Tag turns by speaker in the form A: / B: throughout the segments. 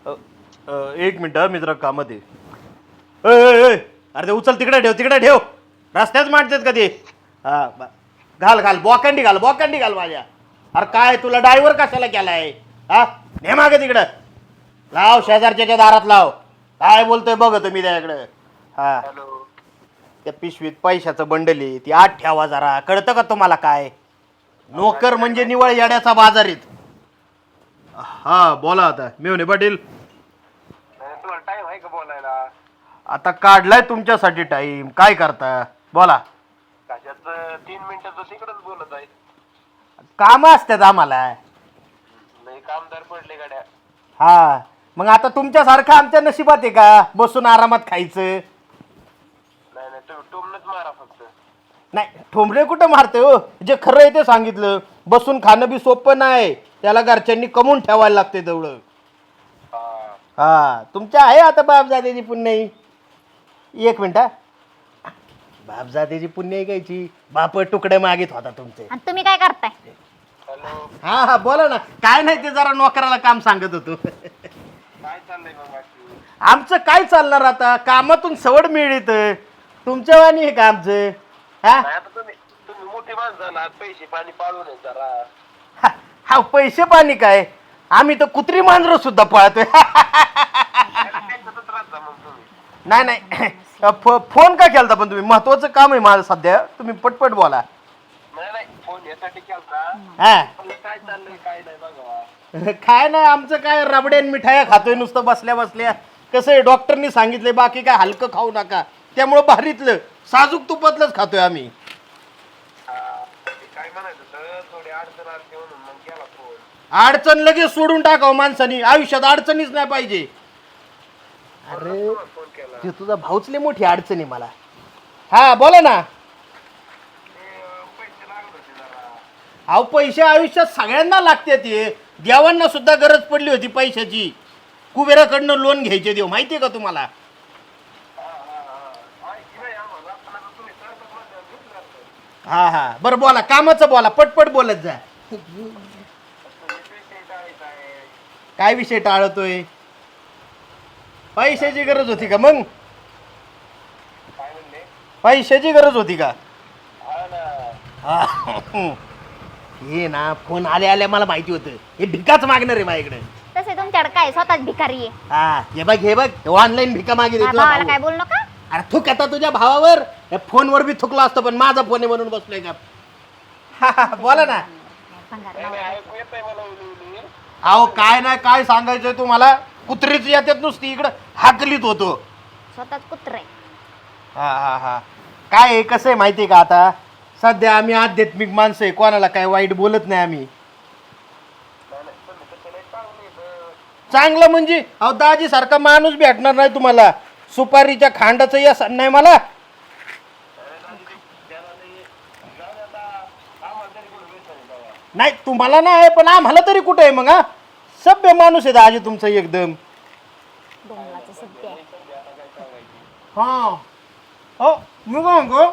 A: अ, एक मिनिट मी जरा कामात आहे. अरे ते उचल तिकडे ठेव रस्त्याच मांडतात का ते. हा घाल बॉकंडी घाल माझ्या. अरे काय तुला ड्रायव्हर कशाला केलाय. हा ने मागे तिकडं लाव शेजारच्या दारात लाव. काय बोलतोय बघ तुम्ही त्याकडं. हा त्या पिशवीत पैशाचं बंडल आहे ती आत ठेवा जरा. कळतं का तुम्हाला काय. नोकर म्हणजे निवळ येड्याचा बाजारीत. हा बोला आता मेवणे पाटील.
B: तुम्हाला टाइम आहे का बोलायला?
A: आता काढलाय तुमच्यासाठी टाइम. काय करता बोला.
B: कशाच 3 मिनिटाचं तिकडच बोलत आहे.
A: काम असतात आम्हाला.
B: नाही कामदार पडले गाड्या.
A: हा मग आता तुमच्यासारखं आमच्या नशिबात आहे का बसून आरामात खायचं.
B: नाही तुम्ही टोमनच मारा फक्त.
A: नाही ठोंबरे कुठं मारते हो. जे खरं आहे ते सांगितलं. बसून खाणं बी सोपं नाही. त्याला घरच्यांनी कमवून ठेवायला लागते तेवढं. हा तुमच्या आहे आता बापजादेची पुण्याई. एक मिनिट हा. बापजादेची पुण्याई घ्यायची. बाप तुकडे मागित होता तुमचे.
C: आणि तुम्ही काय करताय?
B: हॅलो
A: हा हा बोला ना. काय नाही ते जरा नोकराला काम सांगत होतो.
B: काय चाललंय मग बाकी?
A: आमचं काय चालणार आता. कामातून सवड मिळत. तुमच्या वाणी आहे का आमचं. हा
B: नाही आता तुम्ही मोठी माणसं झाला पैसे पाणी पाळून आहे जरा.
A: हा हा, पैसे पाणी काय. आम्ही तर कुत्री मांजर सुद्धा पाळतोय.
B: त्याच्यातच राहता मग तुम्ही.
A: नाही फोन का केलता पण तुम्ही. महत्वाचं काम आहे माझं सध्या. तुम्ही पटपट बोला.
B: नाही फोन यासाठी केलता.
A: हा
B: काय चाललंय काय नाही बघा.
A: काय नाही आमचं काय रबड्यान मिठाया खातोय नुसतं बसल्या बसल्या. कसं आहे डॉक्टरनी सांगितलंय बाकी काय हलकं खाऊ नका. त्यामुळं भारीतलं साजूक तुपातलंच खातोय आम्ही.
B: काय म्हणायचं तर थोडी अडचण आली म्हणून मग केला फोन.
A: अडचण लगेच सोडून टाकावं माणसानी. आयुष्यात अडचणीच नाही पाहिजे. अरे
B: फोन केला.
A: ते तुझा भाऊच लय मोठी अडचण आहे मला. हा बोला ना.
B: पैसे लागत होते जरा.
A: अहो पैसे आयुष्यात सगळ्यांना लागते. ते देवांना सुद्धा गरज पडली होती पैशाची. कुबेराकडनं लोन घ्यायचे देव माहितीये का तुम्हाला. हा हा बरं बोला कामाचं बोला. पटपट बोलत जा. काय विषय टाळतोय. पैशाची गरज होती का मग. पैशाची गरज होती का. हा. हे ना फोन आल्या मला माहिती होतं. हे भिकाच मागणार आहे माझ्याकडे.
C: तसे तुमच्याकडे काय स्वतःच भिकारी आहे.
A: हा हे बघ ऑनलाईन भिका मागितली तुला
C: भावाला
A: भाऊ.
C: काय बोल नका.
A: अरे थुक आता तुझ्या भावावर. या फोनवर बी थुकलो असतो पण माझा फोन आहे म्हणून बसलोय का. हा, हा, बोला ना.
C: भंगार नवरा.
B: ऐकू येतंय मला उली.
A: अहो काय नाही काय सांगायचंय तुम्हाला. कुत्रीच येतात नुसती इकडं हाकलीत होतो.
C: स्वतःच कुत्रे.
A: हा हा हा काय आहे कसं आहे माहिती आहे का. आता सध्या आम्ही आध्यात्मिक माणसं आहे. कोणाला काय वाईट बोलत नाही आम्ही. चांगलं म्हणजे अहो दाजी सारखा माणूस भेटणार नाही तुम्हाला. सुपारीच्या खांडाचं यस नाही मला. नाही तुम्हाला नाही पण आम्हाला तरी कुठे आहे मग. हा सभ्य माणूस आहे दाजी तुमचं एकदम.
C: डोंगराचं सध्या आहे.
A: हा हो मी काय म्हणतो.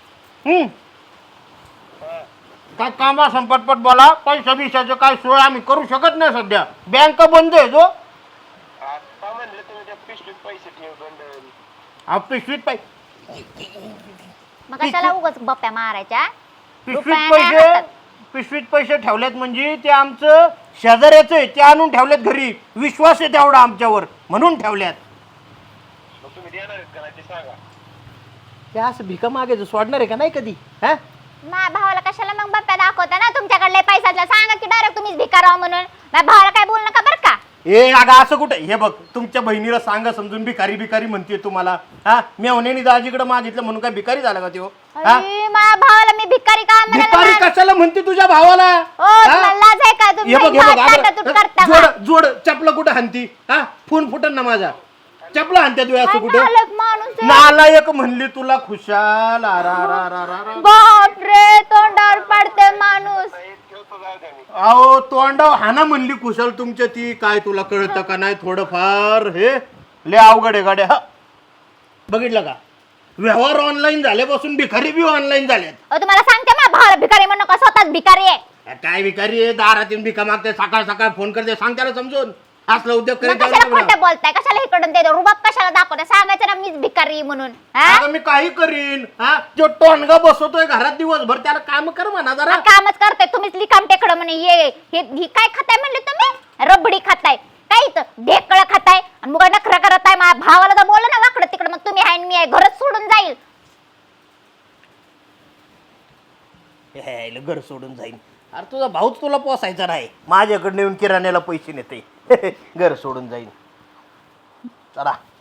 A: काय काम असं पटपट बोला. पैसा बिशाचं काय सोय आम्ही करू शकत नाही सध्या. बँक बंद आहे जो.
B: आता म्हणले तुम्ही त्या पिशवीत पैसे ठेव बंडल.
A: पिशवीत
C: मग कशाला उगाच बप्प्या मारायच्या.
A: पिशवीत
C: रुपया नाही
A: पैसे
C: हातात.
A: पिशवीत पैसे ठेवलेत म्हणजे ते आमचं शेजाऱ्याचं आहे. ते आणून ठेवलेत घरी. विश्वास आहे तेवढा आमच्यावर म्हणून ठेवल्यात.
B: मग तुम्ही देणार आहेत का नाही ते सांगा.
A: ते असं भिका मागायचं सोडणार आहे का नाही कधी. हा
C: माझ्या भावाला कशाला मग बप्प्या दाखवता ना. तुमच्याकडले पैशातला सांगा की डायरेक्ट तुम्हीच भिकार आहो म्हणून. माझ्या भावाला काय बोल नका बरं का.
A: ए अगं असं कुठे. हे बघ तुमच्या बहिणीला सांगा समजून. भिकारी भिकारी म्हणते तुम्हाला. हा मेवण्याने दाजीकडे मागितलं म्हणून काय भिकारी झाला का त्यो. हा
C: अरे, माझ्या भावाला मी भिकारी का
A: भिकारी
C: म्हणाला.
A: कशाला म्हणते तुझ्या भावाला.
C: ओ तुम्हाला लाज आहे का. तुम्ही
A: हे बघ
C: भात
A: अगं,
C: ताटातूट करता
A: जोड
C: का?
A: जोड चपला कुठं हाणती. हा फोन फुटन ना माझा. चपला हाणत्या तू असं
C: काय
A: कुठं.
C: नालायक माणूस आहे.
A: नालायक म्हणली तुला खुशाल.
C: बापरे तोंडावर पडते माणूस.
B: ठेवतो जाऊ द्या मी.
A: अहो तोंडाव हाना म्हणली कुशल तुमच्या ती. काय तुला कळतं का नाही थोडंफार. हे लय अवघड आहे गाड्या. बघितलं का व्यवहार ऑनलाईन झाल्यापासून भिकारी बी ऑनलाईन झाल्यात.
C: तुम्हाला सांगते माझ्या भावाला भिकारी म्हणू नका. स्वतःच भिकारी आहे.
A: काय भिकारी आहे. दारात येऊन भिका मागते. सकाळ सकाळ फोन करते. सांग त्याला समजून. असला उद्योग
C: मग
A: करीत
C: कशाला
A: जाऊ
C: खोटं
A: नका.
C: बोलताय कशाला इकडून ते रुबाब कशाला दाखवताय सांगायचं ना मीच भिकारी म्हणून हा
A: अगं मी काही करीन हा जो टोनगा बसवतोय घरात दिवसभर त्याला काम कर म्हणा जरा.
C: कामच करताय तुम्हीच लिकाम टेकडं म्हणे हे काय खाताय म्हणले तुम्ही रबडी खाताय काय इथं ढेकळं खाताय आणि मग नखरा करत आहे माझ्या भावाला तर बोललं ना वाकडं तिकडं मग तुम्ही आहे आणि मी आहे घरच सोडून जाईल
A: हे घर सोडून जाईन. अरे तुझा भाऊच तुला पोसायचा नाही माझ्याकडे येऊन किराण्याला पैसे नेते घर सोडून जाईन चला.